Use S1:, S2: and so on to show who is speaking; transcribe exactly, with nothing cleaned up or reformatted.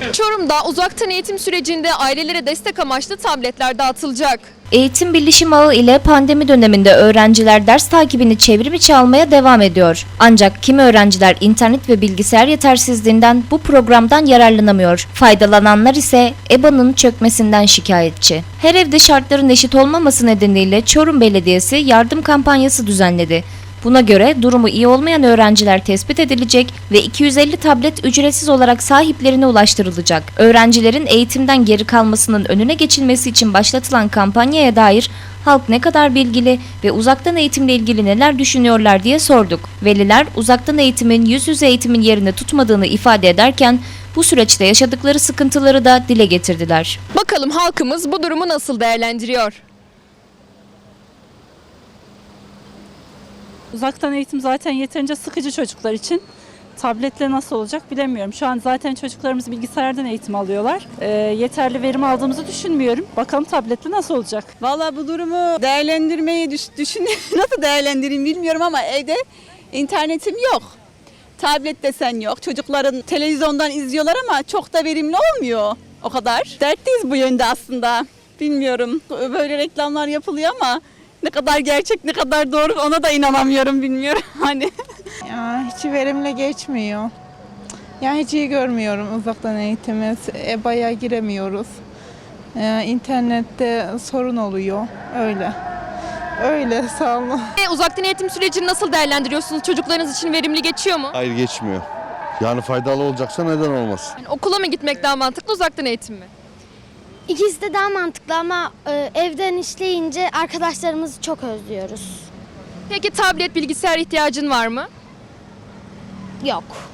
S1: Çorum'da uzaktan eğitim sürecinde ailelere destek amaçlı tabletler dağıtılacak.
S2: Eğitim Bilişim Ağı ile pandemi döneminde öğrenciler ders takibini çevrim içi almaya devam ediyor. Ancak kimi öğrenciler internet ve bilgisayar yetersizliğinden bu programdan yararlanamıyor. Faydalananlar ise E B A'nın çökmesinden şikayetçi. Her evde şartların eşit olmaması nedeniyle Çorum Belediyesi yardım kampanyası düzenledi. Buna göre durumu iyi olmayan öğrenciler tespit edilecek ve iki yüz elli tablet ücretsiz olarak sahiplerine ulaştırılacak. Öğrencilerin eğitimden geri kalmasının önüne geçilmesi için başlatılan kampanyaya dair halk ne kadar bilgili ve uzaktan eğitimle ilgili neler düşünüyorlar diye sorduk. Veliler uzaktan eğitimin yüz yüze eğitimin yerini tutmadığını ifade ederken bu süreçte yaşadıkları sıkıntıları da dile getirdiler.
S1: Bakalım halkımız bu durumu nasıl değerlendiriyor?
S3: Uzaktan eğitim zaten yeterince sıkıcı çocuklar için. Tabletle nasıl olacak bilemiyorum. Şu an zaten çocuklarımız bilgisayardan eğitim alıyorlar. Ee, yeterli verim aldığımızı düşünmüyorum. Bakalım tabletle nasıl olacak?
S4: Vallahi bu durumu değerlendirmeyi düş, düşün nasıl değerlendireyim bilmiyorum ama evde internetim yok. Tablet desen yok. Çocukların televizyondan izliyorlar ama çok da verimli olmuyor o kadar. Dertliyiz bu yönde aslında. Bilmiyorum. Böyle reklamlar yapılıyor ama ne kadar gerçek, ne kadar doğru ona da inanamıyorum, bilmiyorum hani.
S5: Ya hiç verimli geçmiyor. Ya hiç iyi görmüyorum uzaktan eğitimi. E B A'ya giremiyoruz. Ee, internette sorun oluyor. Öyle. Öyle sağ olun.
S1: E, uzaktan eğitim sürecini nasıl değerlendiriyorsunuz? Çocuklarınız için verimli geçiyor mu?
S6: Hayır, geçmiyor. Yani faydalı olacaksa neden olmasın?
S1: Yani okula mı gitmek daha mantıklı, uzaktan eğitim mi?
S7: İkisi de daha mantıklı ama e, evden işleyince arkadaşlarımızı çok özlüyoruz.
S1: Peki tablet, bilgisayar ihtiyacın var mı?
S7: Yok.